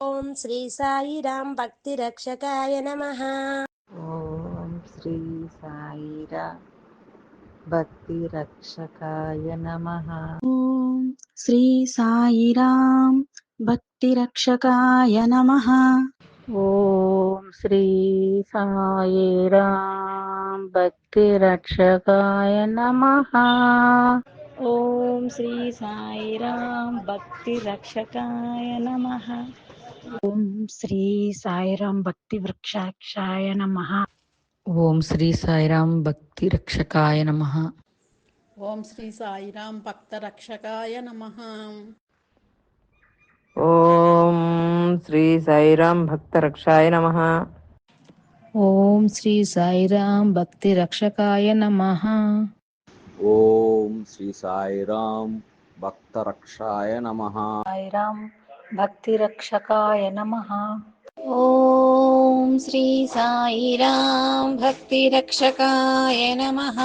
ఓం శ్రీ సాయిరాం భక్తి రక్షకాయ నమః. ఓం శ్రీ సాయిరా భక్తి రక్షకాయ నమః. ఓం శ్రీ సాయిరాం భక్తి రక్షకాయ నమః. ఓం శ్రీ సాయిరాం భక్తి రక్షకాయ నమః. ఓం శ్రీ సాయిరాం భక్తి రక్షకాయ నమః. ఓం శ్రీ సాయిరాం భక్తి వృక్షాక్షాయ నమః. ఓం శ్రీ సాయిరాం భక్తి రక్షకాయ నమః. ఓం శ్రీ సాయిరాం భక్త రక్షకాయ నమః. ఓం శ్రీ సాయిరాం భక్త రక్షాయ నమః. ఓం శ్రీ సాయిరాం భక్తి రక్షకాయ నమః. ఓం శ్రీ సాయిరాం భక్త రక్షాయ నమః. సాయిరాం భక్తి రక్షకాయ నమః. ఓం శ్రీ సాయిరాం భక్తి రక్షకాయ నమః.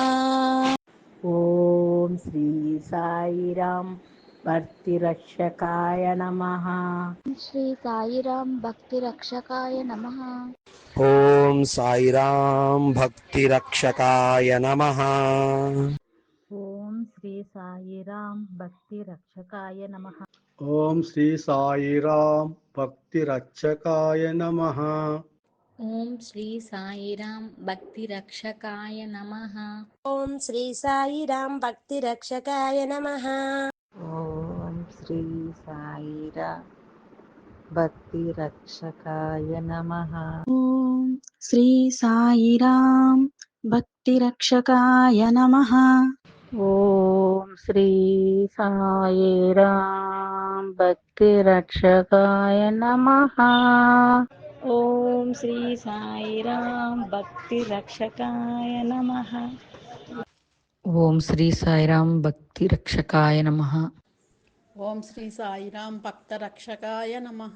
ఓం శ్రీ సాయిరాం భక్తి రక్షకాయ నమః. శ్రీ సాయిరాం భక్తి రక్షకాయ నమః. ఓం సాయిరాం భక్తి రక్షకాయ నమః. ఓం శ్రీ సాయిరాం భక్తి రక్షకాయ నమః. ఓం శ్రీ సాయిరాం భక్తి రక్షకాయ నమః. ఓం శ్రీ సాయిరాం భక్తి రక్షకాయ నమః. ఓం శ్రీ సాయిరాం భక్తి రక్షకాయ నమః. ఓం శ్రీ సాయిరా భక్తి రక్షకాయ నమః. ఓం శ్రీ సాయిరాం భక్తి రక్షకాయ నమః. ఓం శ్రీ సాయిరాం భక్తి రక్షకాయ నమః. ఓం శ్రీ సాయిరాం భక్తి రక్షకాయ నమః. ఓం శ్రీ సాయిరాం భక్తి రక్షకాయ నమః. ఓం శ్రీ సాయిరాం భక్త రక్షకాయ నమః.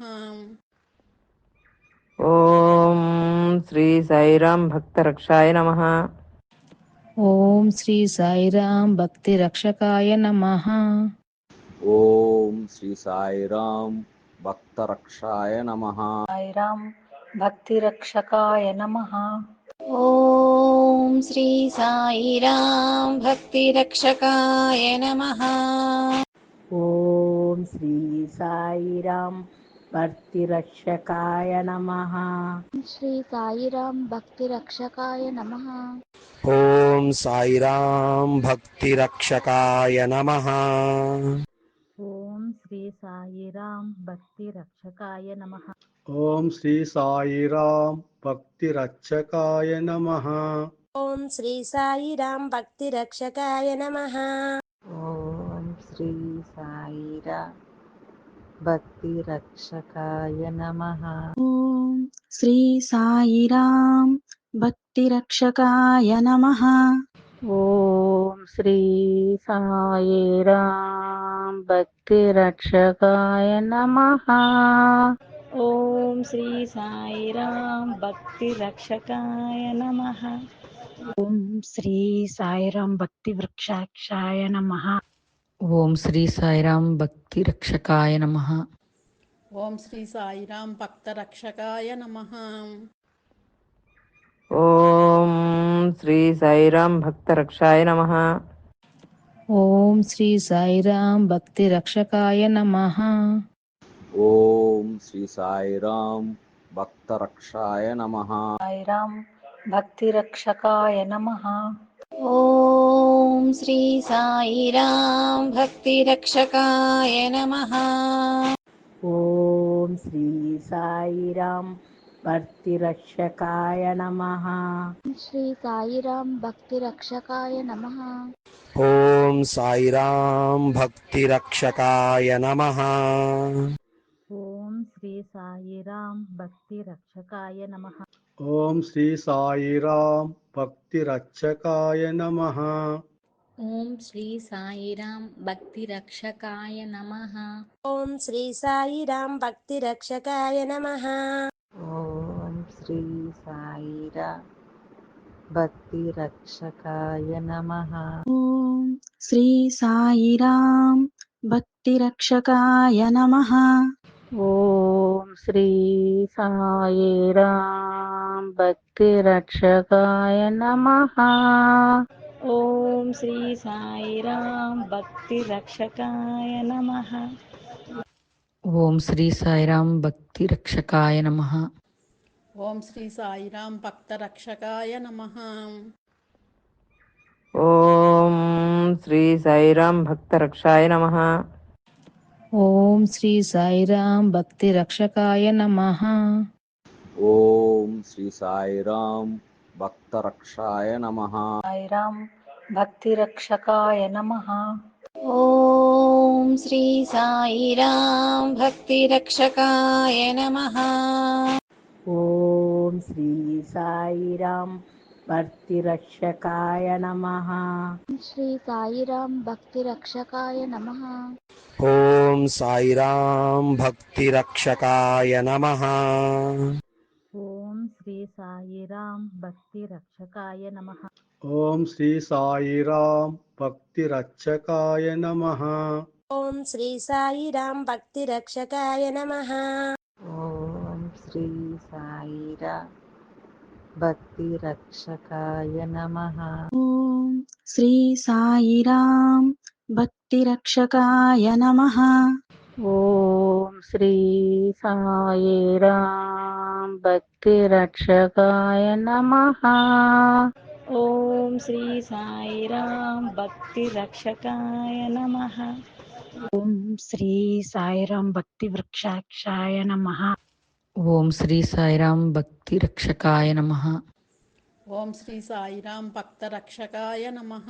ఓం శ్రీ సాయిరాం భక్త రక్షాయ నమః. ఓం శ్రీ సాయిరాం భక్తి రక్షకాయ నమః. ఓం శ్రీ సాయిరాం భక్త రక్షాయ నమః. సాయిరాం భక్తి రక్షకాయ నమః. ఓం శ్రీ సాయిరాం భక్తి రక్షకాయ నమః. ఓం శ్రీ సాయిరాం భక్తి రక్షకాయ నమః. శ్రీ సాయిరాం భక్తి రక్షకాయ నమః. ఓం సాయిరాం భక్తి రక్షకాయ నమః. ఓం శ్రీ సాయిరాం భక్తి రక్షకాయ నమః. ఓం శ్రీ సాయిరాం భక్తి రక్షకాయ నమః. ఓం శ్రీ సాయిరాం భక్తి రక్షకాయ నమః. ఓం శ్రీ సాయిరా భక్తి రక్షకాయ నమః. ఓం శ్రీ సాయిరాం భక్తి రక్షకాయ నమః. ఓం శ్రీ సాయిరాం భక్తి రక్షకాయ నమః. ఓం శ్రీ సాయిరాం భక్తి రక్షకాయ నమః. ఓం శ్రీ సాయిరాం భక్తి వృక్షాక్షాయ నమః. ఓం శ్రీ సాయిరాం భక్తి రక్షకాయ నమః. ఓం శ్రీ సాయిరాం భక్త రక్షకాయ నమః. ఓం శ్రీ సాయిరాం భక్త రక్షాయ నమః. ఓం శ్రీ సాయిరాం భక్తి రక్షకాయ నమః. ఓం శ్రీ సాయిరాం భక్త రక్షాయ నమః. సాయిరాం భక్తి రక్షకాయ నమః. ఓం శ్రీ సాయిరాం భక్తి రక్షకాయ నమః. ఓం శ్రీ సాయిరాం భక్తి రక్షకాయ నమః. శ్రీ సాయిరాం భక్తి రక్షకాయ నమః. ఓం సాయిరాం భక్తి రక్షకాయ నమః. ఓం శ్రీ సాయిరాం భక్తి రక్షకాయ నమః. ఓం శ్రీ సాయిరాం భక్తి రక్షకాయ నమః. ఓం శ్రీ సాయిరాం భక్తి రక్షకాయ నమః. ఓం శ్రీ సాయిరాం భక్తి రక్షకాయ నమః. ఓం శ్రీ సాయిరా భక్తి రక్షకాయ నమః. ఓం శ్రీ సాయిరాం భక్తి రక్షకాయ నమః. ఓం శ్రీ సాయిరాం భక్తి రక్షకాయ నమః. ఓం శ్రీ సాయిరాం భక్తి రక్షకాయ నమః. ఓం శ్రీ సాయిరాం భక్తి రక్షకాయ నమః. ఓం శ్రీ సాయిరాం భక్త రక్షకాయ నమః. ఓం శ్రీ సాయిరాం భక్త రక్షాయ నమః. ఓం శ్రీ సాయిరాం భక్తి రక్షకాయ నమః. ఓం శ్రీ సాయిరాం భక్త రక్షాయ నమః. సాయిరాం భక్తి రక్షకాయ నమః. ఓం శ్రీ సాయిరాం భక్తి రక్షకాయ నమః. ఓం శ్రీ సాయిరాం భక్తి రక్షకాయ నమః. శ్రీ సాయిరాం భక్తి రక్షకాయ నమః. ఓం సాయిరాం భక్తి రక్షకాయ నమః. ఓం శ్రీ సాయిరాం భక్తి రక్షకాయ నమః. ఓం శ్రీ సాయిరాం భక్తి రక్షకాయ నమః. ఓం శ్రీ సాయిరాం భక్తి రక్షకాయ నమః. ఓం శ్రీ సాయిరాం భక్తి రక్షకాయ నమః. ఓం శ్రీ సాయిరాం భక్తి రక్షకాయ నమః. ఓం శ్రీ సాయిరాం భక్తి రక్షకాయ నమః. ఓం శ్రీ సాయిరాం భక్తి రక్షకాయ నమః. ఓం శ్రీ సాయిరాం భక్తి వృక్షాక్షాయ నమః. ఓం శ్రీ సాయిరాం భక్తి రక్షకాయ నమః. ఓం శ్రీ సాయిరాం భక్త రక్షకాయ నమః.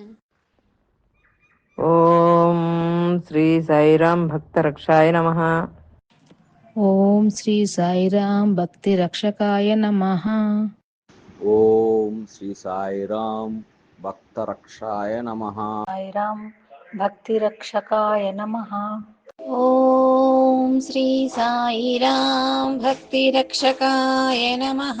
ఓం శ్రీ సాయిరాం భక్త రక్షాయ నమః. ఓం శ్రీ సాయిరాం భక్తి రక్షకాయ నమః. ఓం శ్రీ సాయిరాం భక్త రక్షాయ నమః. సాయిరాం భక్తి రక్షకాయ నమః. ఓం శ్రీ సాయిరాం భక్తి రక్షకాయ నమః.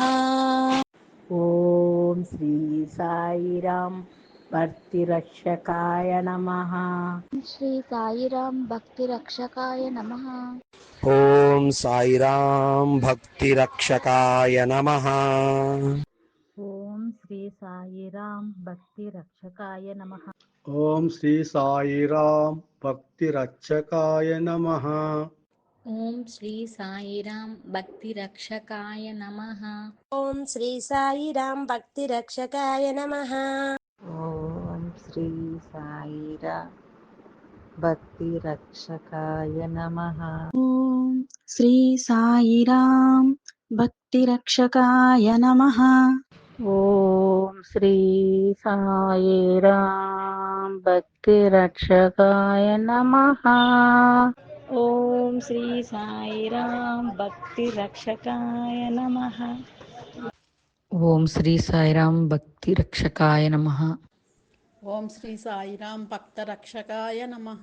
ఓం శ్రీ సాయిరాం భక్తి రక్షకాయ నమః. శ్రీ సాయిరాం భక్తి రక్షకాయ నమః. ఓం సాయిరాం భక్తి రక్షకాయ నమః. ఓం శ్రీ సాయిరాం భక్తి రక్షకాయ నమః. ఓం శ్రీ సాయిరాం భక్తి రక్షకాయ నమః. ఓం శ్రీ సాయిరాం భక్తి రక్షకాయ నమః. ఓం శ్రీ సాయిరాం భక్తి రక్షకాయ నమః. ఓం శ్రీ సాయిరాం భక్తి రక్షకాయ నమః. ఓం శ్రీ సాయిరాం భక్తి రక్షకాయ నమః. ఓం శ్రీ సాయిరాం భక్తి రక్షకాయ నమః. ఓం శ్రీ సాయిరాం భక్తి రక్షకాయ నమః. ఓం శ్రీ సాయిరాం భక్తి రక్షకాయ నమః. ఓం శ్రీ సాయిరాం భక్త రక్షకాయ నమః.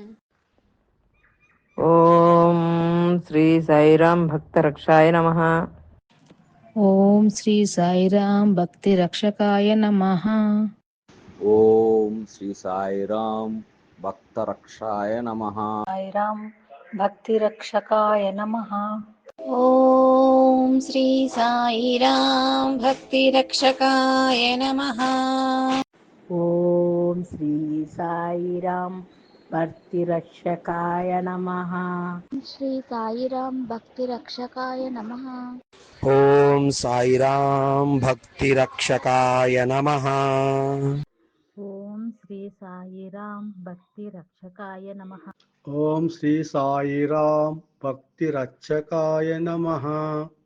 ఓం శ్రీ సాయిరాం భక్త రక్షాయ నమః. ఓం శ్రీ సాయిరాం భక్తి రక్షకాయ నమః. ఓం శ్రీ సాయిరాం భక్త రక్షాయ నమః. సాయిరాం భక్తి రక్షకాయ నమః. ఓం శ్రీ సాయిరాం భక్తి రక్షకాయ నమః. ఓం శ్రీ సాయిరాం భక్తి రక్షకాయ నమః. శ్రీ సాయిరాం భక్తి రక్షకాయ నమః. ఓం సాయిరాం భక్తి రక్షకాయ నమః. ఓం శ్రీ సాయిరాం భక్తి రక్షకాయ నమః. ఓం శ్రీ సాయిరాం భక్తి రక్షకాయ నమః.